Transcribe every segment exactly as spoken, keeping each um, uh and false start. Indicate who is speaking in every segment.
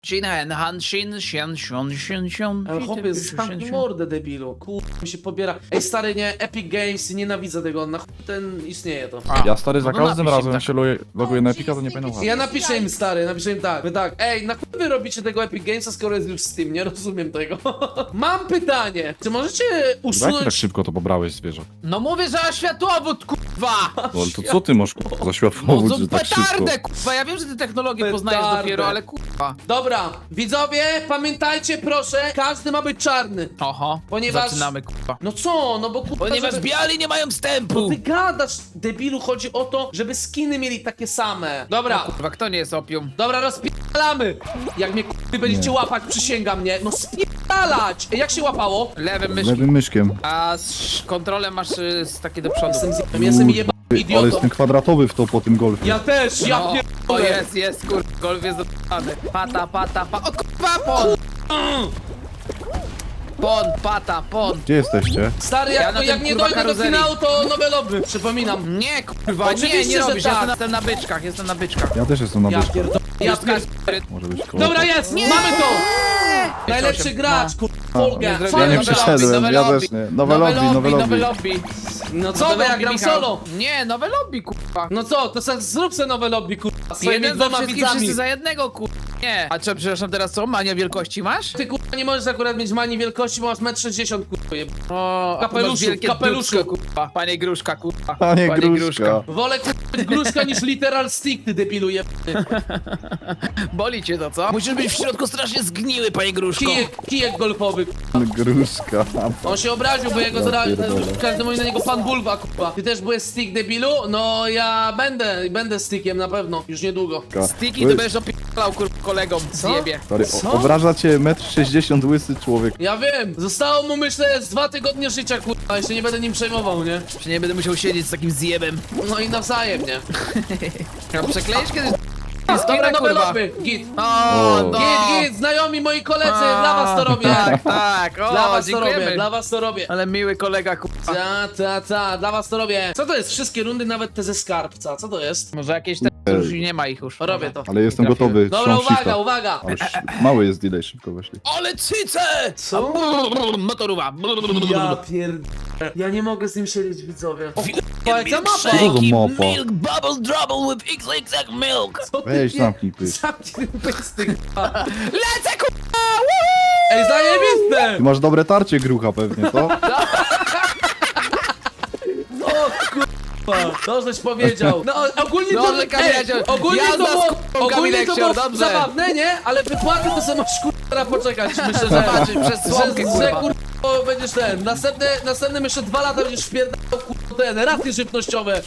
Speaker 1: Shin, Han, Shin, Shin, Shin, Shin, Shin.
Speaker 2: Ale chłopie, zamknij mordę, debilu. Kur... mi się pobiera. Ej, stary, nie, Epic Games, nienawidzę tego, na chuj ten istnieje to.
Speaker 1: A,
Speaker 3: Ja stary za
Speaker 1: no to
Speaker 3: każdym
Speaker 1: napisz im
Speaker 3: razem
Speaker 1: tak.
Speaker 3: się loguję, loguję na Epica, to nie pamiętam.
Speaker 2: Ja napiszę im, stary, napiszę im tak, wy tak. Ej, na chuj wy robicie tego Epic Gamesa, skoro jest już Steam, nie rozumiem tego. Mam pytanie, czy możecie
Speaker 3: Jak ty tak
Speaker 2: usunąć...
Speaker 3: szybko to pobrałeś, zwierzak?
Speaker 1: No mówię, że światłowód, kurwa!
Speaker 3: No ale to co ty masz kurwa, za
Speaker 1: No
Speaker 3: światłowód,
Speaker 1: to
Speaker 3: że tak szybko?
Speaker 1: petardę, kurwa, ja wiem, że ty technologię poznajesz
Speaker 2: Petardę.
Speaker 1: dopiero, ale kurwa.
Speaker 2: Dobra, widzowie, pamiętajcie proszę, każdy ma być czarny.
Speaker 1: Oho,
Speaker 2: Ponieważ-
Speaker 1: zaczynamy, kurwa.
Speaker 2: No co, no bo kurwa,
Speaker 1: Ponieważ
Speaker 2: żeby...
Speaker 1: biali nie mają wstępu!
Speaker 2: Ty gadasz, debilu, chodzi o to, żeby skiny mieli takie same. Dobra,
Speaker 1: Kurwa, kto nie jest opium?
Speaker 2: dobra, rozpierdalamy. Jak mnie kurwy będziecie
Speaker 3: Nie.
Speaker 2: łapać, przysięgam mnie. No spierdalać! Ej, jak się łapało?
Speaker 1: Lewym myszkiem.
Speaker 3: Lewym myszkiem.
Speaker 1: A z kontrolę masz y, z takie do przodu.
Speaker 2: Jestem zjebem, jestem jebem
Speaker 3: Ty, ale
Speaker 2: idiotą.
Speaker 3: jestem kwadratowy w to po tym golfie.
Speaker 2: Ja też, ja
Speaker 1: No, o
Speaker 2: pierdolę.
Speaker 1: jest, jest, kurwa, golf jest dotany. Pata, pata, pa... O kurwa, pon! Pon, pata, pon.
Speaker 3: Gdzie jesteście?
Speaker 2: Stary,
Speaker 1: Ja
Speaker 2: jak,
Speaker 1: na
Speaker 2: to, jak
Speaker 1: tym,
Speaker 2: nie
Speaker 1: kurwa,
Speaker 2: dojdę do
Speaker 1: karuzeli.
Speaker 2: finału, to nowe lobby, przypominam.
Speaker 1: Nie, kurwa,
Speaker 2: Oczywiście,
Speaker 1: nie, nie
Speaker 2: że
Speaker 1: robisz,
Speaker 2: tak.
Speaker 1: ja jestem na byczkach, jestem na byczkach.
Speaker 3: Ja też jestem na
Speaker 2: Ja
Speaker 3: byczku.
Speaker 2: pierdolę, ja
Speaker 1: Jest
Speaker 2: pierdolę.
Speaker 1: Kasper.
Speaker 3: Może być koło.
Speaker 2: Dobra, jest, mamy to! Najlepszy
Speaker 1: osiem.
Speaker 2: gracz, kurwa, Folga.
Speaker 1: Nie zrobiłem
Speaker 3: Ja nie
Speaker 1: nowe
Speaker 3: przeszedłem,
Speaker 1: lobby,
Speaker 3: ja
Speaker 1: nowe
Speaker 3: też
Speaker 1: lobby.
Speaker 3: nie. Nowe lobby, nowe
Speaker 1: nowe
Speaker 3: lobby.
Speaker 1: lobby.
Speaker 2: No co,
Speaker 1: Nowe
Speaker 2: bo ja
Speaker 1: lobby,
Speaker 2: gram
Speaker 1: Michał.
Speaker 2: solo.
Speaker 1: Nie, nowe lobby, kurwa.
Speaker 2: No co, to se zrób se nowe lobby, kurwa, swoimi
Speaker 1: Jeden za
Speaker 2: dwoma
Speaker 1: wszystkich,
Speaker 2: widzami.
Speaker 1: wszyscy za jednego, kurwa. Nie. A co, przepraszam, teraz co? Mania wielkości masz?
Speaker 2: Ty kurwa nie możesz akurat mieć manii wielkości, bo masz metr sześćdziesiąt kurwa. jeb-
Speaker 1: O, a tu masz
Speaker 2: Kapeluszu,
Speaker 1: wielkie
Speaker 2: kapeluszu.
Speaker 1: dupsko, kurwa. Panie Gruszka, kurwa.
Speaker 3: Panie Gruszka.
Speaker 2: Wolę kurwa być gruszka niż literal stick, ty debilu jeb...
Speaker 1: Boli cię to, co? Musisz być w środku strasznie zgniły, panie Gruszko.
Speaker 2: Kijek, kijek golfowy.
Speaker 3: Gruszka.
Speaker 2: On się obraził, bo jego
Speaker 3: Ja
Speaker 2: zra...
Speaker 3: pierdolę.
Speaker 2: każdy mówi na niego pan Bulwa, kurwa. Ty też byłeś stick, debilu? No ja będę, będę stickiem na pewno, już niedługo.
Speaker 1: Stiki to będziesz opierdalał, kurwa, kolegom. Zjebie.
Speaker 3: Stary,
Speaker 2: Co?
Speaker 3: o- obraża cię metr sześćdziesiąt łysy człowiek.
Speaker 2: Ja wiem, zostało mu myślę z dwa tygodnie życia, kurwa, jeszcze nie będę nim przejmował, nie?
Speaker 1: Że nie będę musiał siedzieć z takim zjebem.
Speaker 2: No i nawzajem, nie?
Speaker 1: Ja przekleisz kiedyś
Speaker 2: Dobra,
Speaker 1: skina,
Speaker 2: nowe
Speaker 1: kurwa.
Speaker 2: lobby, git.
Speaker 1: O,
Speaker 3: O.
Speaker 1: no.
Speaker 2: Git, git, znajomi moi koledzy, dla was to robię.
Speaker 1: Tak, tak, o,
Speaker 2: Dla was to robię,
Speaker 1: dziękujemy.
Speaker 2: dla was to robię.
Speaker 1: Ale miły kolega, kurwa.
Speaker 2: Ta, ta, ta, dla was to robię. Co to jest? Wszystkie rundy, nawet te ze skarbca, co to jest?
Speaker 1: Może jakieś te... już nie ma ich już.
Speaker 2: Robię to.
Speaker 3: Ale jestem
Speaker 1: Trafiłem.
Speaker 3: gotowy.
Speaker 2: Dobra,
Speaker 3: Trzymam
Speaker 2: uwaga,
Speaker 3: shifta.
Speaker 2: uwaga.
Speaker 3: Ale sz- mały jest delay, szybko weszli.
Speaker 1: Ale cyce!
Speaker 2: Co?
Speaker 1: Motoruwa.
Speaker 2: Ja pierd... Ja nie mogę z nim siedzieć, widzowie. O,
Speaker 1: Wielkie
Speaker 2: jaka mapa?
Speaker 3: Co za mapa?
Speaker 1: Milk bubble trouble with X X X milk.
Speaker 2: Co ty
Speaker 3: Weź
Speaker 2: wie-
Speaker 3: zamknij pysk.
Speaker 2: Zamknij pysty, k***a.
Speaker 1: Lecę, kurwa!
Speaker 2: Ej, zajebiste!
Speaker 3: Ty masz dobre tarcie grucha pewnie, co?
Speaker 2: O kurwa, to żeś powiedział. No ogólnie to,
Speaker 1: Dobrze, Kamilecio.
Speaker 2: ej, ogólnie
Speaker 1: Jazda
Speaker 2: to
Speaker 1: z
Speaker 2: było,
Speaker 1: kurwą,
Speaker 2: ogólnie to
Speaker 1: Kamilecio,
Speaker 2: było
Speaker 1: dobrze.
Speaker 2: zabawne, nie? Ale wypłaty to sobie masz kurwa poczekać, myślę, że...
Speaker 1: Zobaczysz, przez słomkę,
Speaker 2: że, że
Speaker 1: kurwa.
Speaker 2: kurwa będziesz ten, następne, następne jeszcze dwa lata będziesz wpierdał kurwa ten, raty żywnościowe.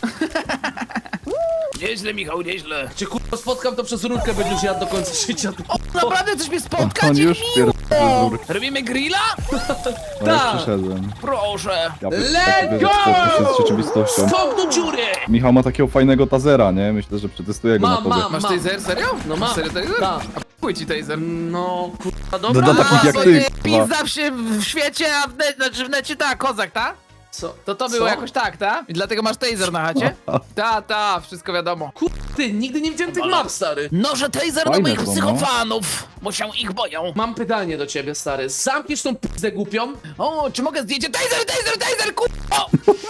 Speaker 1: Nieźle, Michał, nieźle.
Speaker 2: Cię kurwa spotkam, to przez rurkę będziesz jadł do końca życia.
Speaker 1: Naprawdę chcesz mnie spotkać?
Speaker 3: On już
Speaker 1: Miło.
Speaker 3: pierdolę z rurki.
Speaker 1: Robimy grilla?
Speaker 3: No ja
Speaker 2: Tak.
Speaker 3: przyszedłem.
Speaker 1: Proszę.
Speaker 3: Ja
Speaker 2: Let's go!
Speaker 3: się z rzeczywistością.
Speaker 2: Skok do dziury!
Speaker 3: Michał ma takiego fajnego tazera, nie? Myślę, że przetestuję go
Speaker 2: Mam,
Speaker 3: na tobie.
Speaker 2: mam.
Speaker 1: Masz taser, serio?
Speaker 2: No mam.
Speaker 1: Serio taser?
Speaker 2: Tak.
Speaker 1: Chuj ci taser.
Speaker 2: No kurwa,
Speaker 3: Do-
Speaker 2: dobra.
Speaker 3: do takich jak
Speaker 1: A,
Speaker 3: ty,
Speaker 1: to
Speaker 3: kurwa.
Speaker 1: Pizza w, się w świecie, a w, ne, znaczy w necie ta, kozak, ta?
Speaker 2: Co?
Speaker 1: To to było
Speaker 2: Co?
Speaker 1: jakoś tak, ta? I dlatego masz taser na chacie? Ta, ta, wszystko wiadomo.
Speaker 2: Ty, nigdy nie widziałem tych map, stary.
Speaker 1: No, że taser do
Speaker 3: Fajne
Speaker 1: moich
Speaker 3: są, no.
Speaker 1: psychofanów, bo się ich boją.
Speaker 2: Mam pytanie do ciebie, stary. Zamkniesz tą pizdę głupią?
Speaker 1: O, czy mogę zdjęcie? Taser, taser, taser, kurwa!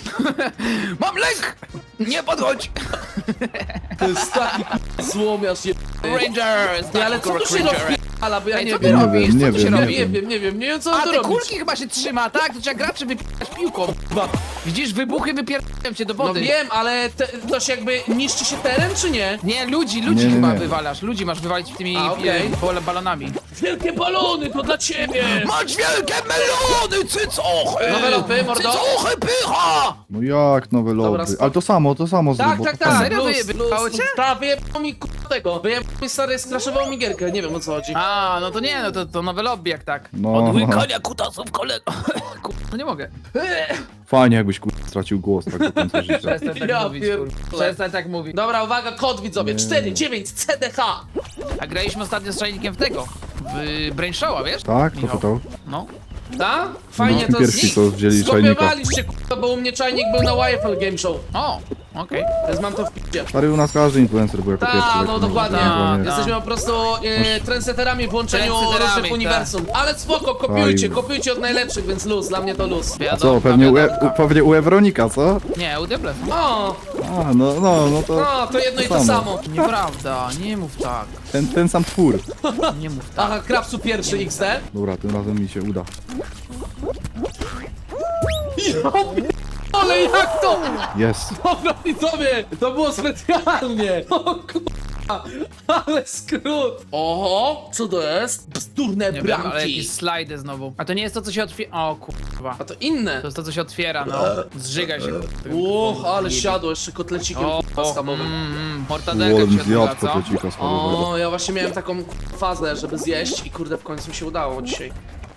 Speaker 1: Mam lęk! Nie podchodź!
Speaker 2: To jest taki k***a złomiarz je...
Speaker 1: Rangers!
Speaker 2: Ty, ale co tu się rozpierdala, bo ja
Speaker 1: Ej,
Speaker 2: nie
Speaker 1: co ty
Speaker 2: wiem.
Speaker 3: Nie
Speaker 1: robisz?
Speaker 3: wiem,
Speaker 1: Co
Speaker 3: nie
Speaker 1: tu się
Speaker 3: wiem,
Speaker 2: Nie
Speaker 1: robi?
Speaker 2: wiem, wiem, nie wiem, nie wiem co
Speaker 1: A,
Speaker 2: on tu
Speaker 1: te
Speaker 2: robić.
Speaker 1: kulki chyba się trzyma, tak? To trzeba graczy wypierać piłką.
Speaker 2: Chyba.
Speaker 1: Widzisz, wybuchy wypierają cię do
Speaker 2: No
Speaker 1: wody.
Speaker 2: wiem, ale te, to się jakby niszczy się teren, czy nie?
Speaker 1: Nie, ludzi, ludzi
Speaker 3: Nie, nie,
Speaker 1: chyba
Speaker 3: nie.
Speaker 1: wywalasz. Ludzi masz wywalić tymi
Speaker 2: A, okej.
Speaker 1: e, bal- balonami.
Speaker 2: Wielkie balony, to dla ciebie!
Speaker 1: Masz wielkie melony, cycochy!
Speaker 2: Nowe lopy, mordo.
Speaker 1: Cycochy, pycha!
Speaker 3: No jak nowe
Speaker 2: Dobra,
Speaker 3: lobby?
Speaker 2: spoko.
Speaker 3: Ale to samo, to samo
Speaker 2: Tak,
Speaker 3: zrób, bo
Speaker 2: tak,
Speaker 3: to
Speaker 2: tak.
Speaker 3: fajne.
Speaker 1: Serio
Speaker 2: Luz,
Speaker 1: wyjebało
Speaker 2: luz,
Speaker 1: cię?
Speaker 2: Tak, wyjebało mi k***a tego. Wyjebało mi, stary, skraszował mi gierkę, nie wiem o co chodzi.
Speaker 1: A, no to nie, no to, to nowe lobby jak tak.
Speaker 3: No,
Speaker 1: Od
Speaker 3: no.
Speaker 1: łykania kutasów kolego. Ku- No nie mogę.
Speaker 3: Fajnie jakbyś kur... stracił głos tak do końca życia.
Speaker 1: Przestań tak
Speaker 2: Ja
Speaker 1: mówić,
Speaker 2: pierdolę.
Speaker 1: kur- Przestań tak mówić.
Speaker 2: Dobra, uwaga, kod widzowie,
Speaker 3: Nie.
Speaker 2: cztery dziewięć C D H.
Speaker 1: A graliśmy ostatnio z czajnikiem w tego. W Brain Showa, wiesz?
Speaker 3: Tak? To
Speaker 1: Michał.
Speaker 3: to to?
Speaker 1: No.
Speaker 2: Tak? Fajnie
Speaker 3: No,
Speaker 2: to
Speaker 3: pierwsi,
Speaker 2: z
Speaker 3: co wzięli czajnika.
Speaker 2: Skopiowaliście, k***a, bo u mnie czajnik był na Y F L Game Show.
Speaker 1: O! Okej.
Speaker 2: Więc mam to w p***cie.
Speaker 3: Stary, u nas każdy influencer był jako pierwszy.
Speaker 2: Tak,
Speaker 3: tak
Speaker 2: no
Speaker 3: no,
Speaker 2: dokładnie.
Speaker 3: tak, tak.
Speaker 2: Jesteśmy po prostu e, trendsetterami w łączeniu
Speaker 1: Trendsetterami,
Speaker 2: różnych
Speaker 1: tak.
Speaker 2: uniwersum. Ale spoko, kopiujcie,
Speaker 3: Oj.
Speaker 2: kopiujcie od najlepszych, więc luz, dla mnie to luz.
Speaker 3: A co, pewnie u, e, u, pewnie u Ewronika, co?
Speaker 1: Nie, u Debles.
Speaker 2: O,
Speaker 3: A, no, no, no to
Speaker 2: no, to jedno i to
Speaker 3: samo.
Speaker 2: samo.
Speaker 1: Nieprawda, nie mów tak.
Speaker 3: ten, ten sam twór.
Speaker 1: Nie mów tak.
Speaker 2: Aha, Krawcu pierwszy X D.
Speaker 3: Dobra, tym razem mi się uda.
Speaker 2: Ale jak to?
Speaker 3: Jest.
Speaker 2: Dobra, widzowie, to było specjalnie. O kurwa, ale skrót. Oho, co to jest? Bzdurne
Speaker 1: Nie wiem, ale
Speaker 2: bramki.
Speaker 1: jakieś slajdy znowu. A to nie jest to, co się otwiera. O kurwa.
Speaker 2: A to inne.
Speaker 1: To jest to, co się otwiera, no. Zżyga się.
Speaker 2: Uch, ale siadło jeszcze kotlecikiem
Speaker 1: O,
Speaker 2: kurwa,
Speaker 1: o,
Speaker 2: schabowym.
Speaker 1: mm, mortadelka
Speaker 3: Wolem
Speaker 1: mi się
Speaker 3: zjadł
Speaker 1: odbywa, co?
Speaker 3: kotlecika schodowego.
Speaker 2: O, ja właśnie miałem taką fazę, żeby zjeść i kurde w końcu mi się udało dzisiaj.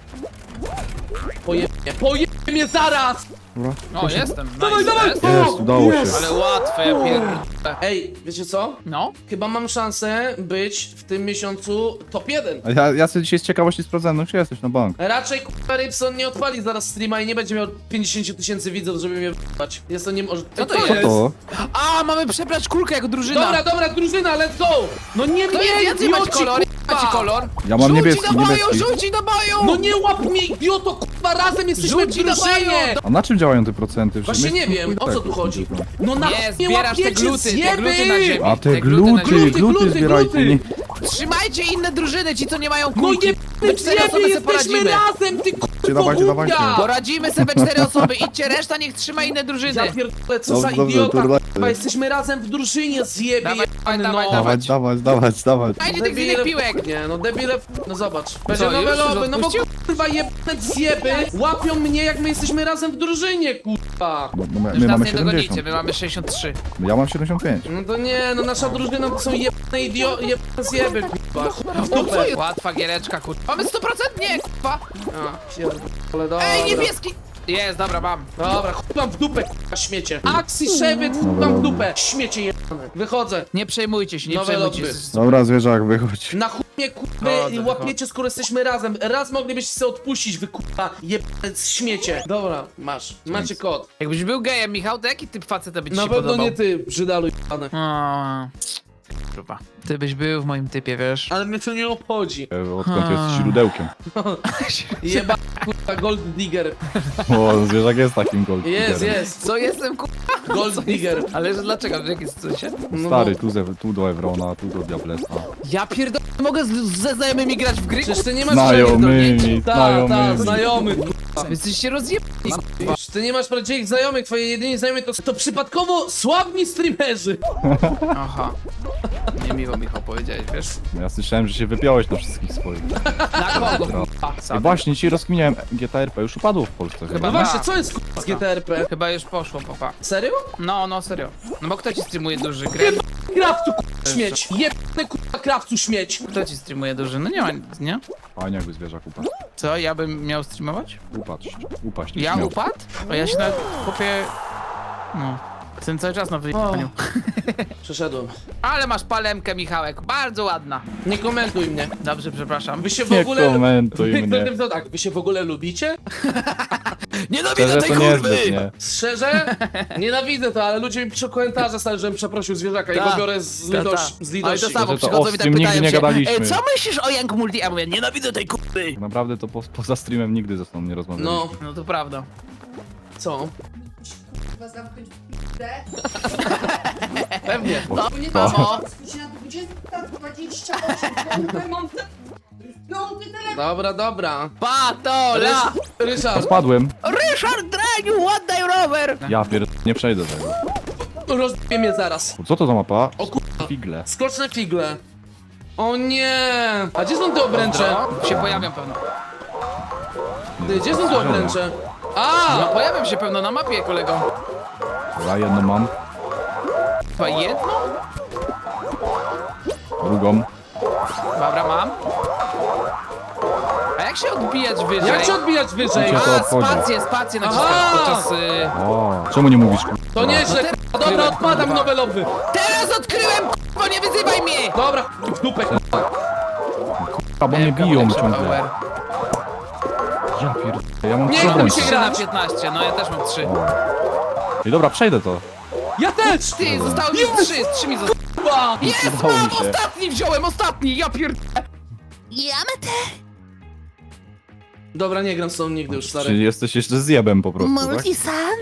Speaker 2: Pojemnie, pojemnie mnie zaraz!
Speaker 3: Dobra.
Speaker 1: O, jestem.
Speaker 2: Dawaj,
Speaker 1: nice,
Speaker 2: dawaj!
Speaker 1: jest.
Speaker 3: Jest, udało się.
Speaker 1: Ale łatwe, ja pierdolę.
Speaker 2: Ej, wiecie co?
Speaker 1: No?
Speaker 2: Chyba mam szansę być w tym miesiącu top jeden.
Speaker 3: A ja, ja sobie dzisiaj z ciekawości sprawdzałem, no gdzie jesteś na bank?
Speaker 2: Raczej kurwa Rybson nie odpali zaraz streama i nie będzie miał pięćdziesiąt tysięcy widzów, żeby mnie w***ać. Jest to nie może.
Speaker 1: Co to
Speaker 3: Co
Speaker 1: jest?
Speaker 3: to?
Speaker 1: A, mamy przebrać kulkę jako drużyna.
Speaker 2: Dobra, dobra, drużyna, let's go! No nie
Speaker 1: To
Speaker 2: mnie,
Speaker 1: jest, jacy macie
Speaker 2: idioci,
Speaker 1: kolor?
Speaker 2: kurwa!
Speaker 1: Macie kolor?
Speaker 3: Ja mam
Speaker 1: Rzuci
Speaker 3: niebieski,
Speaker 1: do boju,
Speaker 3: niebieski.
Speaker 1: rzuci do boju!
Speaker 2: No nie łap mnie, idioto, kurwa, razem jesteśmy w
Speaker 1: Rzuci na
Speaker 2: drużynie!
Speaker 1: boju!
Speaker 3: A na czym działają te procenty?
Speaker 2: Właśnie nie wiem, o co tu chodzi. No na
Speaker 1: Nie,
Speaker 2: nie
Speaker 1: zbierasz te
Speaker 2: łapiecie
Speaker 1: gluty, te
Speaker 2: zjeby!
Speaker 1: gluty na ziemi.
Speaker 3: A te
Speaker 1: na
Speaker 3: gluty,
Speaker 1: ziemi.
Speaker 2: Gluty,
Speaker 3: gluty
Speaker 2: gluty,
Speaker 3: zbierajcie.
Speaker 2: gluty.
Speaker 3: Nie,
Speaker 1: Trzymajcie inne drużyny, ci co nie mają
Speaker 2: No
Speaker 1: kulki.
Speaker 2: jebny
Speaker 1: My cztery osoby
Speaker 2: zjeby,
Speaker 1: sobie
Speaker 2: jesteśmy
Speaker 1: poradzimy.
Speaker 2: razem, ty kurwa
Speaker 3: dawajcie, dawajcie.
Speaker 2: głupia!
Speaker 1: Poradzimy sobie cztery osoby, idźcie, reszta niech trzyma inne drużyny.
Speaker 2: Ja pierdolę, co
Speaker 3: Dobrze,
Speaker 2: za
Speaker 3: dobrze,
Speaker 2: idiota,
Speaker 3: to
Speaker 2: kurwa,
Speaker 3: dawaj.
Speaker 2: jesteśmy razem w drużynie, zjebie
Speaker 1: Dawaj,
Speaker 2: jebany,
Speaker 1: dawaj,
Speaker 2: no.
Speaker 1: dawaj.
Speaker 3: dawać, dawać, dawać, dawać.
Speaker 1: Dajcie tych innych piłek.
Speaker 2: Nie, no debile, no zobacz. Będzie
Speaker 1: Co,
Speaker 2: nowe
Speaker 1: już?
Speaker 2: loby,
Speaker 1: Już
Speaker 2: no bo
Speaker 1: odpuścił?
Speaker 2: kurwa jebane zjeby łapią mnie jak my jesteśmy razem w drużynie, kurwa.
Speaker 3: No, no, my,
Speaker 1: Już
Speaker 3: my
Speaker 1: nas
Speaker 3: mamy
Speaker 1: nie dogonicie,
Speaker 3: siedemdziesiąt.
Speaker 1: my mamy sześćdziesiąt trzy.
Speaker 3: Ja mam siedemdziesiąt pięć.
Speaker 2: No to nie, no nasza drużyna to są jebane idio... jebane zjeby, kurwa.
Speaker 1: O, co jest? Łatwa giereczka, kurwa. Mamy sto procent? Nie, kurwa.
Speaker 2: A, pierdolę, dobra.
Speaker 1: Ej, niebieski. Jest, dobra, mam.
Speaker 2: Dobra, chuj wam w dupę, kurwa, śmiecie. Axi Szewyt, chuj wam w dupę, śmiecie jebane. Wychodzę.
Speaker 1: Nie przejmujcie się, nie
Speaker 2: Nowe
Speaker 1: przejmujcie
Speaker 2: lobby.
Speaker 1: się.
Speaker 3: Dobra, zwierzak, wychodź.
Speaker 2: Na chuj mnie, kurwa,
Speaker 1: No,
Speaker 2: i
Speaker 1: to
Speaker 2: łapiecie, skoro jesteśmy razem. Raz moglibyście sobie odpuścić, wy kurwa, jebane śmiecie. Dobra, masz, macie kod.
Speaker 1: Jakbyś był gejem, Michał, to jaki typ faceta by ci
Speaker 2: Na
Speaker 1: się
Speaker 2: pewno
Speaker 1: podobał?
Speaker 2: nie ty, brzydalu jebane.
Speaker 1: O, kurwa. Ty byś był w moim typie, wiesz?
Speaker 2: Ale mnie to nie obchodzi.
Speaker 3: E, Odkąd jesteś źródełkiem?
Speaker 2: Jeba, kurwa, gold digger.
Speaker 3: O, zwierzak jest takim gold
Speaker 2: Jest,
Speaker 3: diggerem.
Speaker 2: jest.
Speaker 1: Co jestem, kurwa?
Speaker 2: Gold digger.
Speaker 1: Ale że dlaczego? W jakim sensie?
Speaker 2: No
Speaker 3: Stary,
Speaker 2: bo-
Speaker 3: tu, ze, tu do Evrona, tu do Diablesa.
Speaker 1: Ja pierdolę, mogę z, ze znajomymi grać w gry?
Speaker 2: Przecież ty nie masz
Speaker 3: Znajomymi,
Speaker 2: Ta, ta,
Speaker 3: znajomymi.
Speaker 2: znajomy, kurwa.
Speaker 1: Wy jesteście rozjebani.
Speaker 2: Przecież ty nie masz prawdziwych znajomych, twoje jedyni znajomi to, to przypadkowo sławni streamerzy.
Speaker 1: Aha. Niemiło, Michał, powiedziałeś, wiesz?
Speaker 3: No ja słyszałem, że się wypiąłeś na wszystkich swoich.
Speaker 1: Na kogo, kurwa?
Speaker 3: I
Speaker 1: Sam.
Speaker 3: właśnie, ci rozkminiałem, G T R P już upadło w Polsce.
Speaker 1: Chyba
Speaker 2: No
Speaker 3: chyba.
Speaker 2: właśnie,
Speaker 1: tak.
Speaker 2: co jest kurwa z G T R P?
Speaker 1: Chyba już poszło, papa.
Speaker 2: Serio?
Speaker 1: No, no, serio. No bo kto ci streamuje duży grę?
Speaker 2: Krawcu kurwa śmieć. Jebany kurwa krawcu śmieć.
Speaker 1: Kto ci streamuje duży? No nie ma nic, nie?
Speaker 3: Fajnie jakby zwierzak upadł.
Speaker 1: Co, ja bym miał streamować?
Speaker 3: Upaść, upaść.
Speaker 1: Ja
Speaker 3: śmiał.
Speaker 1: upadł? A ja się nawet kupię... No. Jestem cały czas na wyjechaniu.
Speaker 2: Przeszedłem.
Speaker 1: Ale masz palemkę, Michałek. Bardzo ładna.
Speaker 2: Nie komentuj mnie.
Speaker 1: Dobrze, przepraszam.
Speaker 2: Wy się w
Speaker 3: Nie
Speaker 2: ogóle...
Speaker 3: komentuj
Speaker 2: Wy-
Speaker 3: mnie.
Speaker 2: to tak, wy się w ogóle lubicie?
Speaker 3: Szczerze
Speaker 1: Nienawidzę tej
Speaker 3: to
Speaker 1: kurwy!
Speaker 3: niezbyt, nie.
Speaker 2: Szczerze? Nienawidzę to, ale ludzie mi piszą komentarze, stary, żebym przeprosił zwierzaka i
Speaker 1: Ta.
Speaker 2: go biorę z,
Speaker 1: Ta,
Speaker 2: litości,
Speaker 1: ta.
Speaker 2: z
Speaker 1: Ale
Speaker 2: litości.
Speaker 1: to samo
Speaker 3: Że to
Speaker 1: przychodzą
Speaker 3: o,
Speaker 1: i
Speaker 3: z
Speaker 1: tak
Speaker 3: tym
Speaker 1: pytają
Speaker 3: nigdy nie
Speaker 1: się,
Speaker 3: gadaliśmy.
Speaker 1: "Ej, co myślisz o Young Multi? A mówię, nienawidzę tej kurwy.
Speaker 3: Naprawdę to po, poza streamem nigdy ze mną nie rozmawialiśmy.
Speaker 2: No,
Speaker 1: No to prawda.
Speaker 2: co?
Speaker 4: Kurwa zamknąć p***ę.
Speaker 2: Pewnie.
Speaker 3: O,
Speaker 4: Bo nie
Speaker 3: to.
Speaker 4: to. Skusi na dwudziesta dwadzieścia osiem. Kurwa, mam te... Piąty telefon.
Speaker 2: Dobra, dobra.
Speaker 1: Patola!
Speaker 3: A
Speaker 2: Ryszard,
Speaker 3: spadłem.
Speaker 1: Ryszard Dreniu, oddaj rower!
Speaker 3: Ja pierd... nie przejdę tego.
Speaker 2: rozbiję mnie zaraz.
Speaker 3: Co to za mapa?
Speaker 2: O kurwa.
Speaker 3: Figle.
Speaker 2: Skocz na figle. O nie! A gdzie są te obręcze?
Speaker 1: No, się pojawią pewno.
Speaker 2: Ty, gdzie są te obręcze? A!
Speaker 1: No pojawią się pewno na mapie, kolego.
Speaker 3: Ja jedną mam,
Speaker 1: Chyba jedno?
Speaker 3: drugą.
Speaker 1: Dobra, mam. A jak się odbijać wyżej?
Speaker 2: Jak się odbijać wyżej?
Speaker 3: Cię to
Speaker 1: A,
Speaker 3: obchodzi.
Speaker 1: spację, spację
Speaker 2: Aha!
Speaker 1: naciskać podczas... Y...
Speaker 3: O, czemu nie mówisz? kurwa?
Speaker 2: To nieźle,
Speaker 1: No
Speaker 2: k***a. Dobra, odpadam nowe lobby.
Speaker 1: Teraz odkryłem, k***o, nie wyzywaj mnie!
Speaker 2: Dobra, ch- w dupę, k***a.
Speaker 3: A bo mnie
Speaker 1: Lepka,
Speaker 3: biją
Speaker 1: lepszy
Speaker 3: ciągle.
Speaker 1: power.
Speaker 3: Ja pierd... Ja mam
Speaker 2: Nie
Speaker 3: trzy
Speaker 2: chce mi się
Speaker 3: obrońcy.
Speaker 2: grać.
Speaker 1: trzy na piętnaście, no ja też mam trzy.
Speaker 3: I dobra, przejdę to.
Speaker 2: Ja też!
Speaker 1: Ty, zostało mi trzy, trzy mi zostało.
Speaker 2: Kurwa!
Speaker 1: Jest,
Speaker 3: Udało
Speaker 1: mam,
Speaker 3: mi się.
Speaker 1: ostatni wziąłem, ostatni, ja pier... Ja metę.
Speaker 2: Dobra, nie gram z tobą nigdy już,
Speaker 3: Czyli
Speaker 2: stary.
Speaker 3: jesteś jeszcze zjebem po prostu, tak?
Speaker 1: Multisan?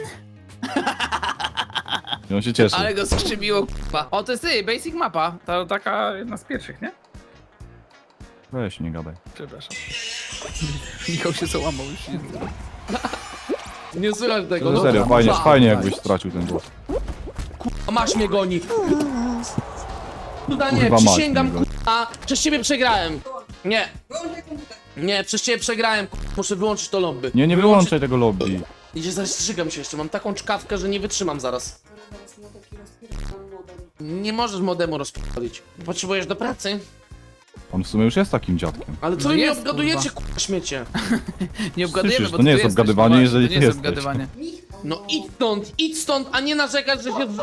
Speaker 3: I on się cieszy.
Speaker 1: Ale go skrzymiło, k***a. O, to jest ty, basic mapa. To taka jedna z pierwszych, nie?
Speaker 3: Weź, nie gadaj.
Speaker 1: Przepraszam. Michał się załamał już.
Speaker 2: Nie słychać tego.
Speaker 3: No
Speaker 2: no.
Speaker 3: serio, fajnie,
Speaker 2: Kurwa.
Speaker 3: fajnie jakbyś stracił ten głos.
Speaker 2: A masz mnie goni. Kurwa nie,
Speaker 3: Kurwa mać
Speaker 2: przysięgam,
Speaker 3: mnie goni.
Speaker 2: kurwa, przez ciebie przegrałem. Nie,
Speaker 4: Wyłączaj komputer.
Speaker 2: nie, przez ciebie przegrałem, kurwa, muszę wyłączyć to lobby.
Speaker 3: Nie, nie wyłączaj tego lobby.
Speaker 2: Idzie, zaraz zżygam się jeszcze, mam taką czkawkę, że nie wytrzymam zaraz.
Speaker 4: Zaraz mu taki rozpierdolony modem.
Speaker 2: Nie możesz modemu rozpalić. Potrzebujesz do pracy.
Speaker 3: On w sumie już jest takim dziadkiem.
Speaker 2: Ale co
Speaker 1: No
Speaker 2: wy mnie
Speaker 1: jest,
Speaker 2: obgadujecie, kurwa, śmiecie?
Speaker 1: Nie obgadujemy,
Speaker 3: Słyszysz,
Speaker 1: bo
Speaker 3: to nie
Speaker 1: ty
Speaker 3: jest
Speaker 1: jesteś,
Speaker 3: obgadywanie,
Speaker 1: właśnie,
Speaker 3: jeżeli
Speaker 1: to nie
Speaker 3: ty
Speaker 1: jest
Speaker 3: jesteś.
Speaker 1: obgadywanie.
Speaker 4: Michał,
Speaker 2: No idź stąd, idź stąd, a nie narzekać, że się...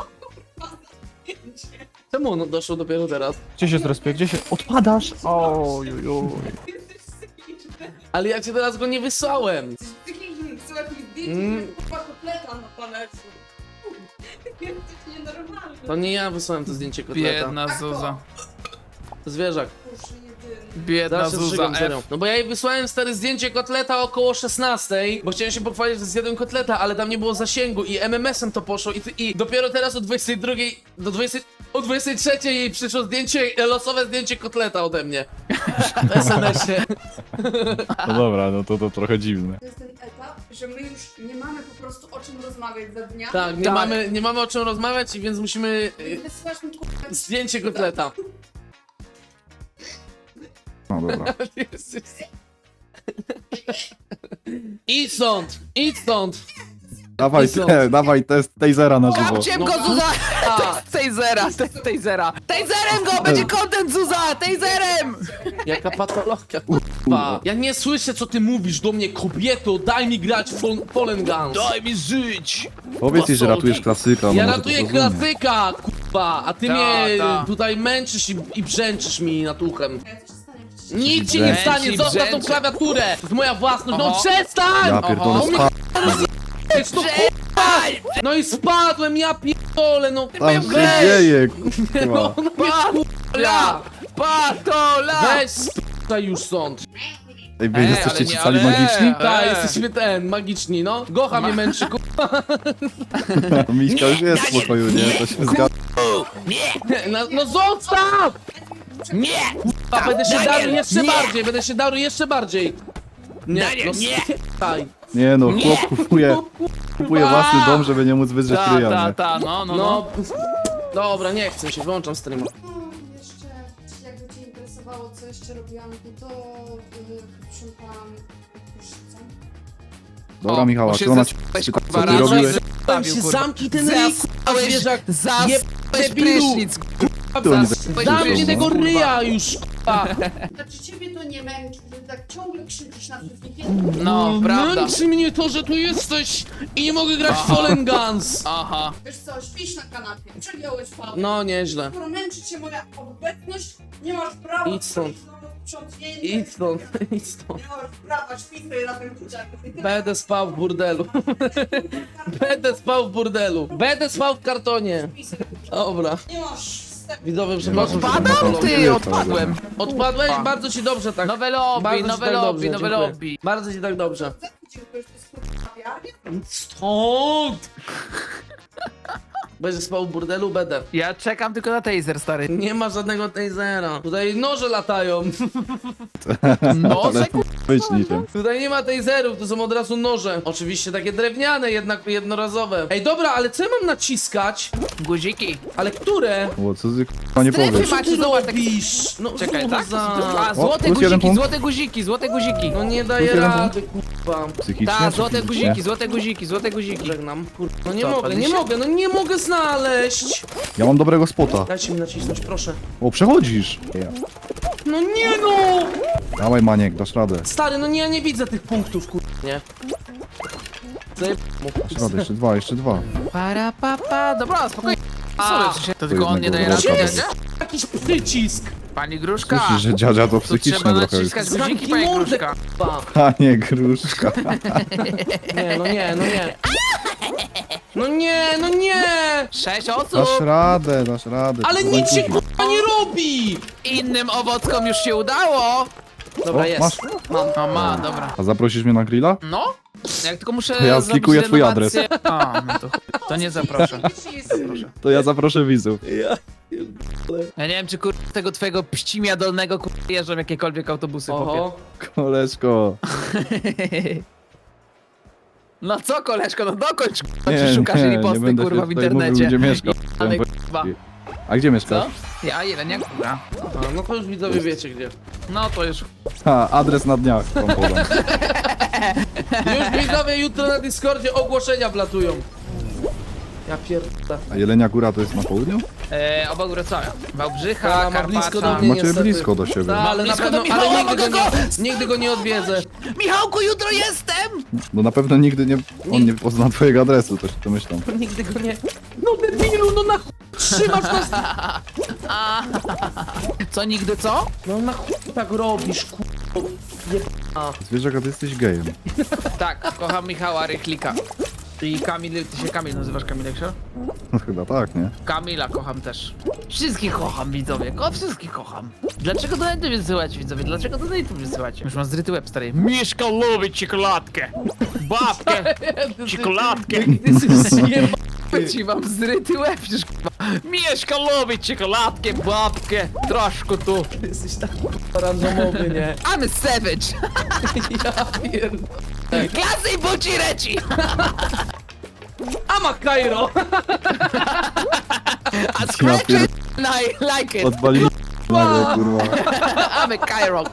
Speaker 2: Czemu ono doszło dopiero teraz?
Speaker 3: Gdzie się zrespie? Gdzie się... Odpadasz? Ojujuj.
Speaker 4: jesteś psychiczny.
Speaker 2: Ale ja cię teraz go nie wysłałem.
Speaker 4: Jesteś psychiczny, wysyłać mi
Speaker 2: Mm.
Speaker 4: zdjęcie, kurwa kotleta na talerzu. Jesteś nienormalny.
Speaker 2: To nie ja wysłałem to zdjęcie kotleta.
Speaker 1: Biedna Zuza.
Speaker 2: To zwierzak.
Speaker 4: Boże, jedyny.
Speaker 1: Biedna
Speaker 2: Zaraz się
Speaker 1: Zuza
Speaker 2: zżygam serio.
Speaker 1: F.
Speaker 2: No bo ja jej wysłałem stare zdjęcie kotleta około szesnastej, bo chciałem się pochwalić, że zjadłem kotleta, ale tam nie było zasięgu i M M S-em to poszło i, i dopiero teraz o dwudziestej drugiej do dwudziestej, o dwudziestej trzeciej jej przyszło zdjęcie, losowe zdjęcie kotleta ode mnie. W S M S-ie.
Speaker 3: No dobra, no to, to trochę dziwne.
Speaker 4: To jest ten etap, że my już nie mamy po prostu o czym rozmawiać za dnia.
Speaker 2: Tak, nie,
Speaker 1: Tak.
Speaker 2: Mamy, nie mamy o czym rozmawiać, więc musimy y,
Speaker 4: Wysyłasz mi kurwa
Speaker 2: zdjęcie kotleta.
Speaker 3: No dobra.
Speaker 2: Idź stąd! Idź stąd!
Speaker 3: Dawaj,
Speaker 2: Są.
Speaker 3: te, dawaj test tasera na żywo.
Speaker 1: Kapciem
Speaker 2: No.
Speaker 1: go, Zuza!
Speaker 2: A,
Speaker 1: Tasera, tasera. Taserem go, będzie content, Zuza! Taserem!
Speaker 2: jaka patologia, kurwa. Ja nie słyszę, co ty mówisz do mnie, kobieto, daj mi grać w Fol- Fallen Guns.
Speaker 1: Daj mi żyć!
Speaker 3: Powiedz jej, że ratujesz klasyka.
Speaker 2: Ja
Speaker 3: no może
Speaker 2: ratuję
Speaker 3: to zrozumie.
Speaker 2: klasyka, kurwa, a ty
Speaker 1: Ta,
Speaker 2: mnie
Speaker 1: ta.
Speaker 2: tutaj męczysz i, i brzęczysz mi nad uchem.
Speaker 4: Ja co się stanie? Przecież
Speaker 2: Nic ci nie
Speaker 1: Brzęczy,
Speaker 2: stanie, zostaw tą
Speaker 1: brzęczy.
Speaker 2: klawiaturę! To jest moja własność, no
Speaker 1: Oho.
Speaker 2: przestań!
Speaker 3: Ja
Speaker 1: Oho.
Speaker 3: pierdolę,
Speaker 2: No mnie
Speaker 3: spa...
Speaker 2: Ej, no kurwa! No i spadłem, ja pierdolę, no
Speaker 3: Tam się
Speaker 2: weź!
Speaker 3: dzieje,
Speaker 2: No,
Speaker 3: kurwa.
Speaker 2: no mnie
Speaker 1: Patola! Patola!
Speaker 2: weź sp***aj już stąd.
Speaker 3: Ej, wy
Speaker 1: Ej,
Speaker 3: jesteście
Speaker 1: ale
Speaker 3: ci
Speaker 1: nie,
Speaker 3: cali
Speaker 1: ale-
Speaker 3: magiczni?
Speaker 2: Tak,
Speaker 1: Eee.
Speaker 2: jesteśmy ten, magiczni, no. Gocha mnie męczy, kurwa.
Speaker 3: Miśka już jest w pokoju, nie? To się zgadza.
Speaker 2: No, no zostaw!
Speaker 1: Nie!
Speaker 2: A będę się
Speaker 1: Daniel,
Speaker 2: darł jeszcze
Speaker 1: nie!
Speaker 2: bardziej, będę się darł jeszcze bardziej. Nie,
Speaker 1: Daniel,
Speaker 2: no
Speaker 1: nie!
Speaker 2: spytaj.
Speaker 3: Nie no, chłop kupuje, kupuje własny dom, żeby nie móc wydrzeć
Speaker 1: Ta,
Speaker 3: ryja,
Speaker 1: ta,
Speaker 3: nie?
Speaker 1: ta, no, no, no.
Speaker 2: No, dobra, nie chcę się, wyłączam streama.
Speaker 4: No, jeszcze, jakby cię interesowało, co jeszcze robiłam, no to yy, sprzątałam prysznicę.
Speaker 3: Dobra,
Speaker 1: O,
Speaker 3: Michała,
Speaker 1: muszę
Speaker 3: czy ona ci
Speaker 1: zespać,
Speaker 3: pyta,
Speaker 1: kurwa,
Speaker 3: co ty
Speaker 1: rano i
Speaker 3: robiłeś?
Speaker 2: Tam się
Speaker 1: Zostawił, kurwa.
Speaker 2: zamknij ten ryj, kurwa, zwierzak.
Speaker 1: Zasłałeś
Speaker 2: debilu.
Speaker 1: prysznic,
Speaker 3: To oni
Speaker 1: Zasłałeś
Speaker 2: Zamknij
Speaker 1: prysznic,
Speaker 2: tego
Speaker 1: kurwa.
Speaker 2: ryja już, kurwa.
Speaker 4: Znaczy ciebie to nie męczy, że tak ciągle krzyczysz na wszystkich.
Speaker 1: No, prawda.
Speaker 2: Męczy mnie to, że tu jesteś i nie mogę grać w Fallen Guns.
Speaker 1: Aha.
Speaker 4: Wiesz co, śpisz na kanapie, przegiąłeś palec.
Speaker 2: No, nieźle.
Speaker 4: Skoro męczy cię moja obecność, nie masz prawa
Speaker 2: Idź stąd.
Speaker 4: sprzątnięcia.
Speaker 2: Idź stąd, idź stąd.
Speaker 4: Nie masz prawa, śpij sobie na tym dzieciaku.
Speaker 2: Będę spał w burdelu. Będę spał w burdelu. Będę spał w kartonie. Dobra.
Speaker 4: Nie masz wstępu.
Speaker 2: Widzowie, przepraszam. że
Speaker 1: Odpadam?
Speaker 2: tak
Speaker 1: Ty,
Speaker 3: Nie,
Speaker 1: odpadłem.
Speaker 2: Odpadłeś? Bardzo ci dobrze tak.
Speaker 1: Nowe lobby,
Speaker 2: Bardzo ci
Speaker 1: nowe
Speaker 2: tak
Speaker 1: lobby,
Speaker 2: dobrze,
Speaker 1: nowe
Speaker 2: dziękuję.
Speaker 1: lobby.
Speaker 2: Bardzo ci tak dobrze.
Speaker 4: Co ty dziękujesz, to jest kurwa kawiarnia?
Speaker 2: Stąd! Będziesz spał w burdelu? Będę.
Speaker 1: Ja czekam tylko na taser, stary.
Speaker 2: Nie ma żadnego tasera. Tutaj noże latają.
Speaker 1: No,
Speaker 3: Ale być niczym.
Speaker 2: Tutaj nie ma taserów, to są od razu noże. Oczywiście takie drewniane, jednak jednorazowe. Ej, dobra, ale co ja mam naciskać?
Speaker 1: guziki.
Speaker 2: Ale które?
Speaker 3: O, co ty k***a nie
Speaker 1: Strefy
Speaker 3: powiesz?
Speaker 1: macie,
Speaker 2: Ty
Speaker 1: zobacz, tak...
Speaker 2: robisz? No,
Speaker 1: Czekaj,
Speaker 2: kurwa.
Speaker 1: tak? A, złote
Speaker 3: plus jeden
Speaker 1: guziki,
Speaker 3: punkt.
Speaker 1: złote guziki, złote guziki.
Speaker 2: No nie daje
Speaker 3: Plus jeden
Speaker 2: rady, kurwa.
Speaker 3: Psychicznie
Speaker 1: Ta,
Speaker 3: czy
Speaker 1: złote
Speaker 3: fizycznie?
Speaker 1: guziki, złote guziki, złote guziki.
Speaker 2: Żegnam. Kurwa, no nie
Speaker 1: Co,
Speaker 2: mogę, nie
Speaker 1: padliście?
Speaker 2: mogę, no nie mogę znaleźć.
Speaker 3: Ja mam dobrego spota.
Speaker 2: Dajcie mi nacisnąć, proszę.
Speaker 3: O, przechodzisz!
Speaker 2: No nie no!
Speaker 3: Dawaj, Maniek, dasz radę.
Speaker 2: Stary, no nie, ja nie widzę tych punktów, kurwa, nie. Zajeb...
Speaker 3: Dasz radę, jeszcze dwa, jeszcze dwa.
Speaker 1: Para, pa, pa. Dobra, spokojnie. Sorry, w sensie, to tylko on nie
Speaker 3: jednego
Speaker 1: daje rady,
Speaker 3: wroga
Speaker 1: nie?
Speaker 3: będzie.
Speaker 2: Jakiś przycisk.
Speaker 1: Pani Gruszka.
Speaker 3: Słyszysz, że dziadzia to
Speaker 1: Tu
Speaker 3: psychiczne
Speaker 1: trzeba
Speaker 3: trochę już.
Speaker 1: naciskać guziki,
Speaker 2: Zamknij
Speaker 1: pani
Speaker 2: mordę,
Speaker 1: Gruszka.
Speaker 2: kurwa.
Speaker 3: Panie gruszka.
Speaker 2: Nie, no nie, no nie. No nie, no nie!
Speaker 1: Sześć osób!
Speaker 3: Dasz radę, dasz radę.
Speaker 2: Ale
Speaker 3: to
Speaker 2: nic się
Speaker 3: później.
Speaker 2: k***a nie robi!
Speaker 1: Innym owockom już się udało!
Speaker 2: Dobra,
Speaker 3: O,
Speaker 2: jest.
Speaker 3: masz?
Speaker 2: Mam.
Speaker 1: O, ma, dobra.
Speaker 3: A zaprosisz mnie na grilla?
Speaker 1: No? Jak tylko muszę
Speaker 3: To ja
Speaker 1: zrobić
Speaker 3: sklikuję twój
Speaker 1: renowację- A, no to chuj. To nie zaproszę.
Speaker 3: To ja zaproszę widzów.
Speaker 1: Ja nie wiem, czy kur... tego twojego pścimia dolnego kur... jeżdżą jakiekolwiek autobusy, popie.
Speaker 2: Oho.
Speaker 3: Koleżko.
Speaker 1: No co, koleżko, no dokończ, kurwa,
Speaker 3: Nie,
Speaker 1: czy szukasz
Speaker 3: nie, nie
Speaker 1: riposty,
Speaker 3: będę
Speaker 1: kurwa,
Speaker 3: się
Speaker 1: w
Speaker 3: tutaj
Speaker 1: internecie.
Speaker 3: mówił, gdzie mieszkam.
Speaker 1: Ale
Speaker 3: Bo-
Speaker 1: kurwa.
Speaker 3: A gdzie mieszkasz?
Speaker 2: Co?
Speaker 1: Ja, Jelenia, kurwa.
Speaker 2: A, no to już widzowie wiecie gdzie.
Speaker 1: No to już.
Speaker 3: Ha, adres na dniach wam podam.
Speaker 2: Już widzowie jutro na Discordzie ogłoszenia wlatują. Ja pierdolę.
Speaker 3: A Jelenia Góra to jest na południu?
Speaker 1: E, obok Wrocławia. Wałbrzycha,
Speaker 2: Ta, ma
Speaker 1: Karpacza.
Speaker 2: blisko do mnie.
Speaker 3: Macie
Speaker 2: niestety.
Speaker 3: blisko do siebie.
Speaker 2: No, ale na
Speaker 1: blisko
Speaker 2: pewno,
Speaker 1: do Michała,
Speaker 2: ale nigdy go,
Speaker 1: mogę
Speaker 2: nie, nigdy go nie odwiedzę.
Speaker 1: Michałku, jutro jestem!
Speaker 3: No na pewno nigdy nie, on nie pozna twojego adresu, coś to myślą.
Speaker 2: Nigdy go nie... No debilu, no na chuj trzymasz nas...
Speaker 1: Co, nigdy co?
Speaker 2: No na chuj tak robisz, kurwa. Jebana.
Speaker 3: Zwierzak, a ty jesteś gejem.
Speaker 1: Tak, kocham Michała Rychlika. I Kamil, ty się Kamil nazywasz, Kamilek, się?
Speaker 3: No chyba tak, nie?
Speaker 1: Kamila kocham też. Wszystkich kocham, widzowie, ko wszystkich kocham. Dlaczego do Nightu wysyłać, widzowie? Dlaczego do Nightu wysyłać? Już mam zryty łeb, stary. Mieszka lubi czekoladkę. Babkę. Czekoladkę. Ci mam zryty łeb, przecież kurwa. Mieszka lubi czekoladkę, babkę. Troszkę tu.
Speaker 2: Ty jesteś tak kurwa randomowy, nie?
Speaker 1: I'm a savage.
Speaker 2: Ja pierdolę.
Speaker 1: Klasy i buci reci.
Speaker 2: Ama Cairo!
Speaker 1: A
Speaker 3: Ja
Speaker 1: scratch
Speaker 3: pier...
Speaker 1: it and I like it.
Speaker 3: Odpalili nagle, kurwa.
Speaker 1: I'm a Cairo.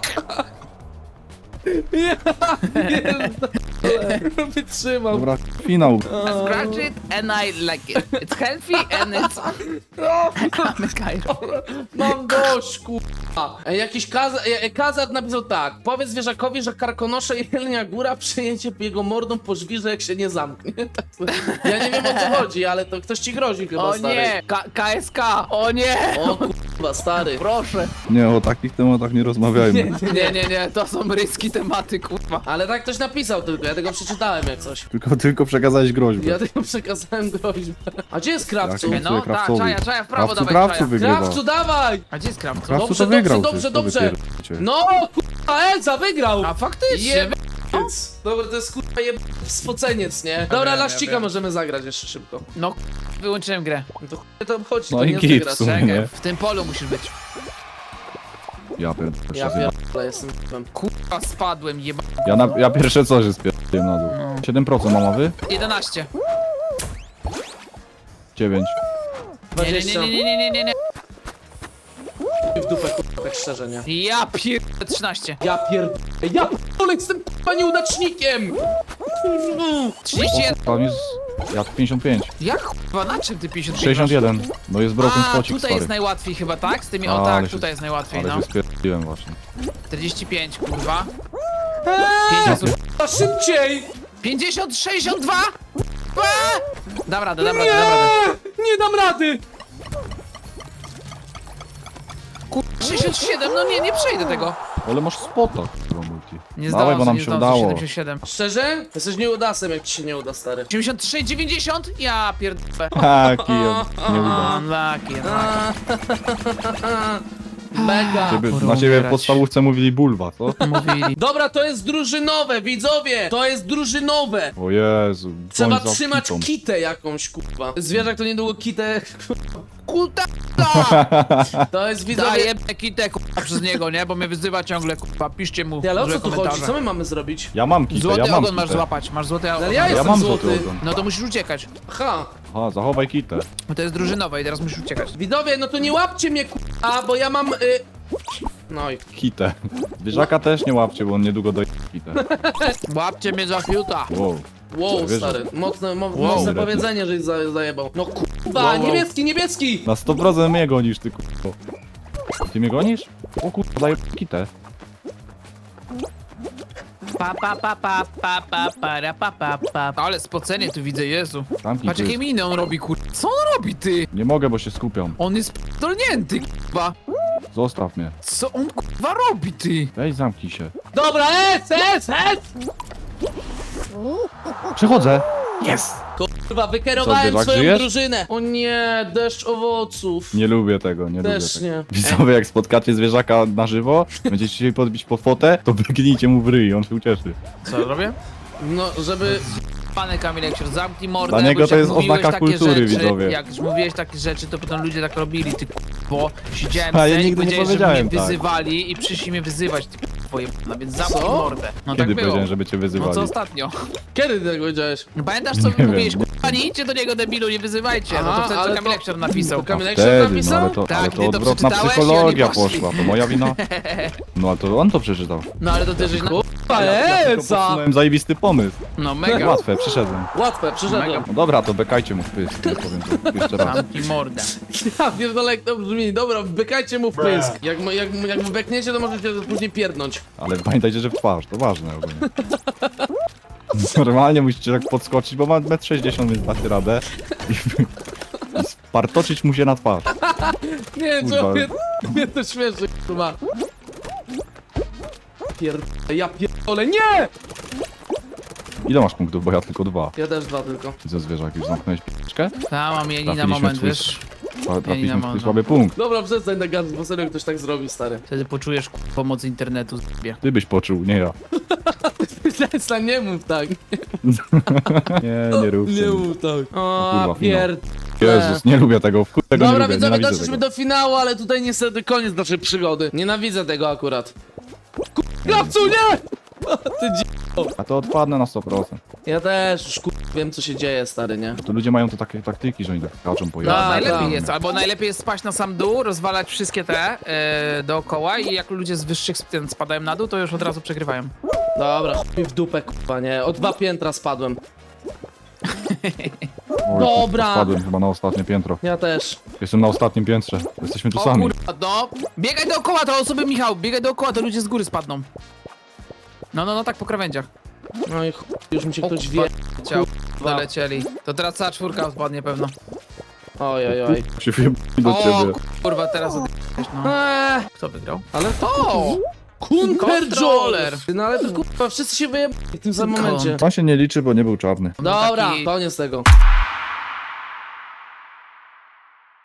Speaker 2: Ja pierdolę. Wytrzymał.
Speaker 3: Dobra, finał.
Speaker 1: I scratch it and I like it. It's healthy and it's... I'm a Cairo.
Speaker 2: Mam dość, kurwa. E, Jakiś kaza e, kazat napisał tak. Powiedz zwierzakowi, że karkonosze i Jelenia Góra przyjęcie jego mordą po żwirze, jak się nie zamknie. Tak, ja nie wiem, o co chodzi, ale to ktoś ci grozi chyba,
Speaker 1: O
Speaker 2: stary.
Speaker 1: nie! K KSK! O nie!
Speaker 2: O kurwa, stary.
Speaker 1: Proszę!
Speaker 3: Nie, o takich tematach nie rozmawiajmy.
Speaker 1: Nie, nie, nie, to są ryski tematy, kurwa.
Speaker 2: Ale tak ktoś napisał tylko, ja tego przeczytałem jak coś.
Speaker 3: Tylko, tylko przekazałeś groźbę.
Speaker 2: Ja tylko przekazałem groźbę. A gdzie jest Krawcu?
Speaker 3: Jak
Speaker 1: No,
Speaker 3: sobie
Speaker 1: tak,
Speaker 3: Krawcowi.
Speaker 1: czaja, czaja, w prawo
Speaker 3: Krawcu,
Speaker 1: dawaj,
Speaker 3: Krawcu
Speaker 1: czaja.
Speaker 3: wygrywa.
Speaker 2: Krawcu, dawaj!
Speaker 1: A gdzie jest Krawcu?
Speaker 3: Krawcu
Speaker 2: Dobrze,
Speaker 3: to wygrał.
Speaker 2: dobrze,
Speaker 3: przecież,
Speaker 2: dobrze,
Speaker 3: to
Speaker 2: dobrze.
Speaker 3: wypierdolcie.
Speaker 2: No, kurwa, Elza wygrał!
Speaker 1: A faktycznie!
Speaker 2: Jeb... Dobra, to jest kurwa jeb... spoceniec, nie? Dobra,
Speaker 1: wiem,
Speaker 2: laścika
Speaker 1: ja wiem.
Speaker 2: możemy zagrać jeszcze szybko.
Speaker 1: No, wyłączyłem grę.
Speaker 2: No to chuj to obchodzi,
Speaker 3: No
Speaker 2: to
Speaker 3: i
Speaker 2: nie
Speaker 3: git
Speaker 2: zagrasz.
Speaker 3: w sumie.
Speaker 1: Czekaj,
Speaker 3: Nie.
Speaker 1: w tym polu musisz być.
Speaker 3: Ja pierdolę.
Speaker 2: Ja
Speaker 3: Ja,
Speaker 2: pierdolę, jestem k***em.
Speaker 1: Kurwa, spadłem, jeba...
Speaker 3: ja, na, ja pierwsze co, że spierdolę na dół.
Speaker 1: No.
Speaker 3: siedem procent mam, a wy?
Speaker 1: jedenaście.
Speaker 3: dziewięć.
Speaker 1: Nie, nie,
Speaker 2: dwadzieścia.
Speaker 1: nie, nie, nie, nie, nie, nie.
Speaker 2: W dupę, kurwa, tak szczerze, nie?
Speaker 1: Ja pierdolę trzynaście.
Speaker 2: Ja pierdolę, ja pierdolę, jestem kurwa nieudacznikiem!
Speaker 1: trzydzieści jeden.
Speaker 3: Tam jest... Ja pięćdziesiąt pięć.
Speaker 1: Jak kurwa, na czym ty pięćdziesiąt pięć
Speaker 3: sześćdziesiąt jeden. No jest broken
Speaker 1: A,
Speaker 3: spocik,
Speaker 1: tutaj
Speaker 3: stary.
Speaker 1: jest najłatwiej chyba, tak? Z tymi,
Speaker 3: A,
Speaker 1: o
Speaker 3: ale
Speaker 1: tak,
Speaker 3: się-
Speaker 1: tutaj jest najłatwiej,
Speaker 3: Ale
Speaker 1: no.
Speaker 3: się spierdoliłem właśnie.
Speaker 1: czterdzieści pięć, kurwa.
Speaker 2: Eee,
Speaker 1: pięćdziesiąt,
Speaker 2: a szybciej!
Speaker 1: pięćdziesiąt, sześćdziesiąt dwa! Eee! Dam radę, dam radę, dam radę.
Speaker 2: Nie, nie dam rady!
Speaker 1: sześćdziesiąt siedem, no nie, nie przejdę tego.
Speaker 3: Ale masz spota, kurwa, multi.
Speaker 1: Nie
Speaker 3: Dawaj,
Speaker 1: zdążę,
Speaker 3: bo nam
Speaker 1: nie
Speaker 3: się
Speaker 1: zdążę,
Speaker 3: udało.
Speaker 1: siedemdziesiąt siedem.
Speaker 2: Szczerze? Jesteś nieudasem, jak ci się nie uda, stary.
Speaker 1: osiemdziesiąt trzy, dziewięćdziesiąt? Ja pierdolę.
Speaker 3: Ha, kijem. Nie uda.
Speaker 1: Unlucky, unlucky.
Speaker 2: Mega.
Speaker 3: Ciebie, na
Speaker 1: porąbać.
Speaker 3: ciebie w podstawówce mówili bulwa, co?
Speaker 1: Mówili.
Speaker 2: Dobra, to jest drużynowe, widzowie! To jest drużynowe!
Speaker 3: O Jezu.
Speaker 2: Trzeba
Speaker 3: bądź za
Speaker 2: trzymać
Speaker 3: kitą.
Speaker 2: kitę jakąś, kurwa. Zwierzak to niedługo kitę...
Speaker 1: Kuta!
Speaker 2: To jest, widzowie...
Speaker 1: Daję kitę, kurwa, przez niego, nie? Bo mnie wyzywa ciągle, kurwa, piszcie mu
Speaker 2: Ty, ale o
Speaker 1: złe
Speaker 2: co tu chodzi?
Speaker 1: komentarze.
Speaker 2: Co my mamy zrobić?
Speaker 3: Ja mam kitę,
Speaker 1: Złoty
Speaker 3: ja mam
Speaker 1: ogon masz
Speaker 3: kitę.
Speaker 1: złapać, masz złoty
Speaker 2: Ale
Speaker 1: ogon.
Speaker 2: ja
Speaker 3: Ja
Speaker 2: jestem
Speaker 3: mam
Speaker 2: złoty.
Speaker 3: złoty ogon.
Speaker 1: No to musisz uciekać.
Speaker 2: Aha.
Speaker 3: Aha, zachowaj kitę.
Speaker 1: Bo to jest drużynowe i teraz musisz uciekać.
Speaker 2: Widzowie, no to nie łapcie mnie, kurwa, bo ja mam... Y... No i...
Speaker 3: Kitę. Zwierzaka też nie łapcie, bo on niedługo doje kitę.
Speaker 1: Łapcie mnie za fiuta.
Speaker 3: Wow.
Speaker 2: Wow,
Speaker 3: Wiesz,
Speaker 2: stary. Mocne, mo
Speaker 3: Wow.
Speaker 2: mocne powiedzenie, żeś za zajebał. No kurwa,
Speaker 3: Wow, wow.
Speaker 2: niebieski, niebieski!
Speaker 3: Na sto procent mnie gonisz, ty kurwa. Ty mnie gonisz? O kurwa, daję kitę.
Speaker 1: Pa pa pa pa pa pa para pa pa pa. Ale spocenie tu widzę, Jezu.
Speaker 3: Zamknij
Speaker 1: Patrz jakie
Speaker 3: pysk.
Speaker 1: miny on robi, kur... Co on robi, ty?
Speaker 3: Nie mogę, bo się skupiam.
Speaker 1: On jest dolnięty, kurwa.
Speaker 3: Zostaw mnie.
Speaker 1: Co on, kurwa, robi, ty?
Speaker 3: Weź zamknij się.
Speaker 2: Dobra, es, es, es!
Speaker 3: Przechodzę.
Speaker 1: Jest!
Speaker 2: Kurwa, wykierowałem
Speaker 3: zwierzak,
Speaker 2: swoją
Speaker 3: żyjesz?
Speaker 2: drużynę. O nie, deszcz owoców.
Speaker 3: Nie lubię tego, nie
Speaker 2: Też
Speaker 3: lubię tego.
Speaker 2: nie.
Speaker 3: Widzowie, jak spotkacie zwierzaka na żywo, będziecie chcieli podbić po fotę, to biegnijcie mu w ryj, on się ucieszy.
Speaker 1: Co robię?
Speaker 2: No, żeby...
Speaker 1: Panie Kamilek, się zamknij mordę,
Speaker 3: Dla niego
Speaker 1: bo już
Speaker 3: to
Speaker 1: jak
Speaker 3: jest
Speaker 1: mówiłeś
Speaker 3: oznaka
Speaker 1: takie
Speaker 3: kultury,
Speaker 1: rzeczy,
Speaker 3: widzowie.
Speaker 1: Jak już mówiłeś takie rzeczy, to potem ludzie tak robili, ty bo siedziałem
Speaker 3: A ja
Speaker 1: sobie i
Speaker 3: nigdy nie
Speaker 1: powiedziałeś, że
Speaker 3: powiedziałem
Speaker 1: mnie
Speaker 3: tak.
Speaker 1: wyzywali i przyszli mnie wyzywać, ty twoje no więc zamknij
Speaker 2: Co?
Speaker 1: mordę. No
Speaker 3: Kiedy
Speaker 1: tak było.
Speaker 3: powiedziałem, żeby cię
Speaker 1: No
Speaker 3: wyzywali?
Speaker 1: co ostatnio?
Speaker 2: Kiedy ty tego powiedziałeś?
Speaker 1: No pamiętasz co
Speaker 3: Nie
Speaker 1: mówiłeś,
Speaker 3: wiem.
Speaker 1: kurwa nie idźcie do niego debilu, nie wyzywajcie, no
Speaker 2: Aha,
Speaker 1: to wtedy
Speaker 2: ale
Speaker 1: co
Speaker 2: to-
Speaker 1: Kamilek się napisał.
Speaker 2: to Kamilek-
Speaker 3: Wtedy, no
Speaker 2: napisał?
Speaker 3: ale to,
Speaker 1: Tak,
Speaker 3: ale
Speaker 1: ty
Speaker 3: to
Speaker 1: to
Speaker 3: odwrotna
Speaker 1: przeczytałeś i
Speaker 3: psychologia
Speaker 1: oni poszli.
Speaker 3: poszła, to moja wina. No ale to on to przeczytał.
Speaker 1: No ale to ty żeś na...
Speaker 2: Kurwa,
Speaker 3: Ja tylko
Speaker 2: Elsa!
Speaker 3: podsunąłem zajebisty pomysł.
Speaker 1: No mega.
Speaker 3: Łatwe, przyszedłem.
Speaker 2: Łatwe, przyszedłem.
Speaker 3: No dobra, to bekajcie mu w pysk, nie powiem to jeszcze raz.
Speaker 1: Zamknij mordę.
Speaker 2: Ja pierdolę, jak to brzmi. Dobra, wbekajcie mu w pysk. Jak, mu- jak, mu- jak mu bekniecie, to możecie to później pierdnąć.
Speaker 3: Ale pamiętajcie, że w twarz, to ważne ogólnie. Normalnie musicie tak podskoczyć, bo ma metr sześćdziesiąt, więc dacie radę. I, i spartoczyć mu się na twarz.
Speaker 2: Nie wiem,
Speaker 3: Kurwa.
Speaker 2: co mnie, mnie to śmieszy, kurwa. Pierdolę, ja pierdolę, nie!
Speaker 3: Ile masz punktów? Bo ja tylko dwa.
Speaker 2: Ja też dwa tylko.
Speaker 3: Widzę zwierzak, już zamknąłeś p***czkę?
Speaker 1: Ta mam jeni na
Speaker 3: Trafiliśmy
Speaker 1: moment,
Speaker 3: w twój-
Speaker 1: wiesz?
Speaker 3: Tra- Trafiliśmy w
Speaker 1: mam,
Speaker 3: twój
Speaker 1: no.
Speaker 3: słaby punkt.
Speaker 2: Dobra, przestań tak gadać, bo serio ktoś tak zrobił, stary.
Speaker 1: Wtedy poczujesz kurwa, pomoc internetu zbie.
Speaker 3: Ty byś poczuł, nie ja.
Speaker 2: Przestań, nie mów tak.
Speaker 3: Nie, nie rób
Speaker 2: Nie
Speaker 3: tego.
Speaker 2: mów tak. O,
Speaker 3: kurwa,
Speaker 2: pierd...
Speaker 3: Jezus, nie lubię tego, w chuj tego
Speaker 2: Dobra,
Speaker 3: nie lubię,
Speaker 2: widzowie,
Speaker 3: nienawidzę
Speaker 2: doszliśmy
Speaker 3: tego.
Speaker 2: do finału, ale tutaj niestety koniec naszej przygody. Nienawidzę tego akurat. Krawcu, nie! O, ty dzi...
Speaker 3: A to odpadnę na sto procent.
Speaker 2: Ja też już kur... wiem, co się dzieje, stary, nie?
Speaker 3: To ludzie mają to takie taktyki, że oni tak skaczą po
Speaker 1: No,
Speaker 3: jazdach.
Speaker 1: najlepiej
Speaker 2: tak.
Speaker 1: jest, albo najlepiej jest spaść na sam dół, rozwalać wszystkie te e, dookoła i jak ludzie z wyższych sp- spadają na dół, to już od razu przegrywają.
Speaker 2: Dobra, chuj mi w dupę, kurwa, nie? O dwa piętra spadłem.
Speaker 3: Oj,
Speaker 2: Dobra.
Speaker 3: Spadłem chyba na ostatnie piętro.
Speaker 2: Ja też.
Speaker 3: Jestem na ostatnim piętrze. Jesteśmy tu
Speaker 1: O
Speaker 3: sami.
Speaker 1: kurwa, no. Biegaj dookoła, to osoby Michał, biegaj dookoła, to ludzie z góry spadną. No, no, no, tak po krawędziach.
Speaker 2: No i chuj, już mi się
Speaker 1: O,
Speaker 2: ktoś
Speaker 1: kurwa.
Speaker 2: wie.
Speaker 1: Ciao, dolecieli. To teraz cała czwórka odpadnie pewno.
Speaker 2: Oj, oj, oj.
Speaker 3: Się wjeb- do
Speaker 1: O
Speaker 3: ciebie.
Speaker 1: kurwa, teraz od... no.
Speaker 2: Eee,
Speaker 1: Kto wygrał?
Speaker 2: ale to...
Speaker 1: O!
Speaker 2: Kunterjoler!
Speaker 1: Kontroler.
Speaker 2: No ale to kurwa, wszyscy się wyjebali w tym samym momencie.
Speaker 3: On się nie liczy, bo nie był czarny.
Speaker 2: Dobra,
Speaker 1: Taki-
Speaker 2: koniec tego.